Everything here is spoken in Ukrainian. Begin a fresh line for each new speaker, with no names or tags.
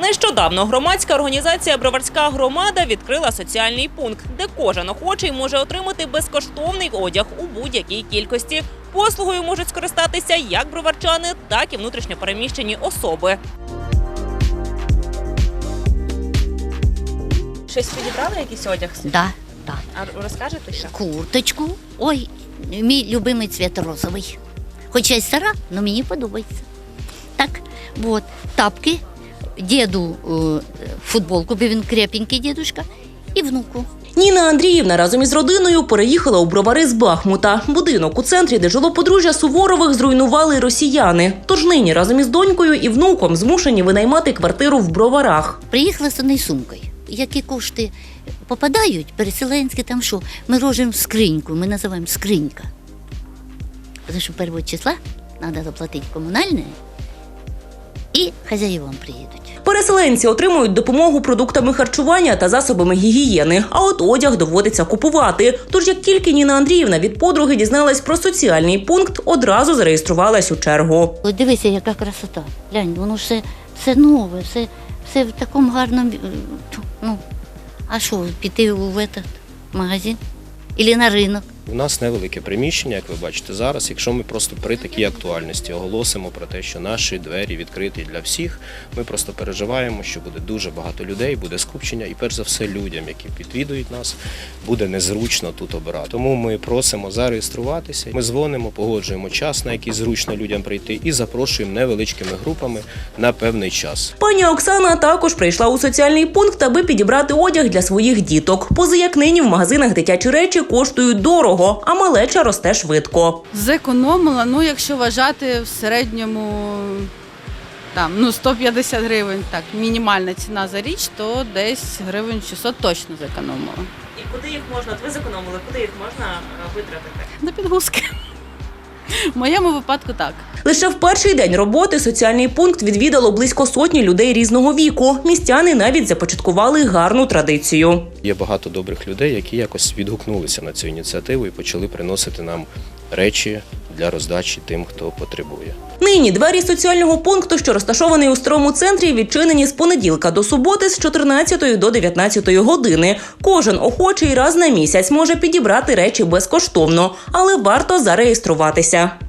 Нещодавно громадська організація «Броварська громада» відкрила соціальний пункт, де кожен охочий може отримати безкоштовний одяг у будь-якій кількості. Послугою можуть скористатися як броварчани, так і внутрішньопереміщені особи. Щось підібрали, якийсь одяг?
Да.
А розкажете що?
Курточку. Ой, мій любимий цвіт розовий. Хоча й стара, але мені подобається. Так, от, тапки, діду футболку, бо він крепенький дідушка, і внуку.
Ніна Андріївна разом із родиною переїхала у Бровари з Бахмута. Будинок у центрі, де жило подружжя Суворових, зруйнували росіяни. Тож нині разом із донькою і внуком змушені винаймати квартиру в Броварах.
Приїхала з однією сумкою. Які кошти попадають, переселенські, там що, ми ложимо в скриньку, ми називаємо скринька. Тому що 1 числа треба заплатити комунальне, і хазяївам приїдуть.
Переселенці отримують допомогу продуктами харчування та засобами гігієни, а от одяг доводиться купувати. Тож як тільки Ніна Андріївна від подруги дізналась про соціальний пункт, одразу зареєструвалась у чергу.
От дивися, яка красота. Глянь, воно все нове, все в такому гарному. Ну, а що, піти в этот магазин? Ілі на ринок?
У нас невелике приміщення, як ви бачите зараз. Якщо ми просто при такій актуальності оголосимо про те, що наші двері відкриті для всіх, ми просто переживаємо, що буде дуже багато людей, буде скупчення і перш за все людям, які відвідують нас, буде незручно тут обирати. Тому ми просимо зареєструватися, ми дзвонимо, погоджуємо час, на який зручно людям прийти і запрошуємо невеличкими групами на певний час.
Пані Оксана також прийшла у соціальний пункт, аби підібрати одяг для своїх діток. Пози як нині в магазинах дитячі речі коштують дорого, а малеча росте швидко.
Зекономила, якщо вважати в середньому 150 гривень, так, мінімальна ціна за річ, то десь гривень 600 точно зекономила.
І куди їх можна, ви зекономили, куди їх можна витратити?
На підгузки. В моєму випадку так.
Лише в перший день роботи соціальний пункт відвідало близько сотні людей різного віку. Містяни навіть започаткували гарну традицію.
Є багато добрих людей, які якось відгукнулися на цю ініціативу і почали приносити нам речі для роздачі тим, хто потребує.
Нині двері соціального пункту, що розташований у старому центрі, відчинені з понеділка до суботи з 14 до 19 години. Кожен охочий раз на місяць може підібрати речі безкоштовно, але варто зареєструватися.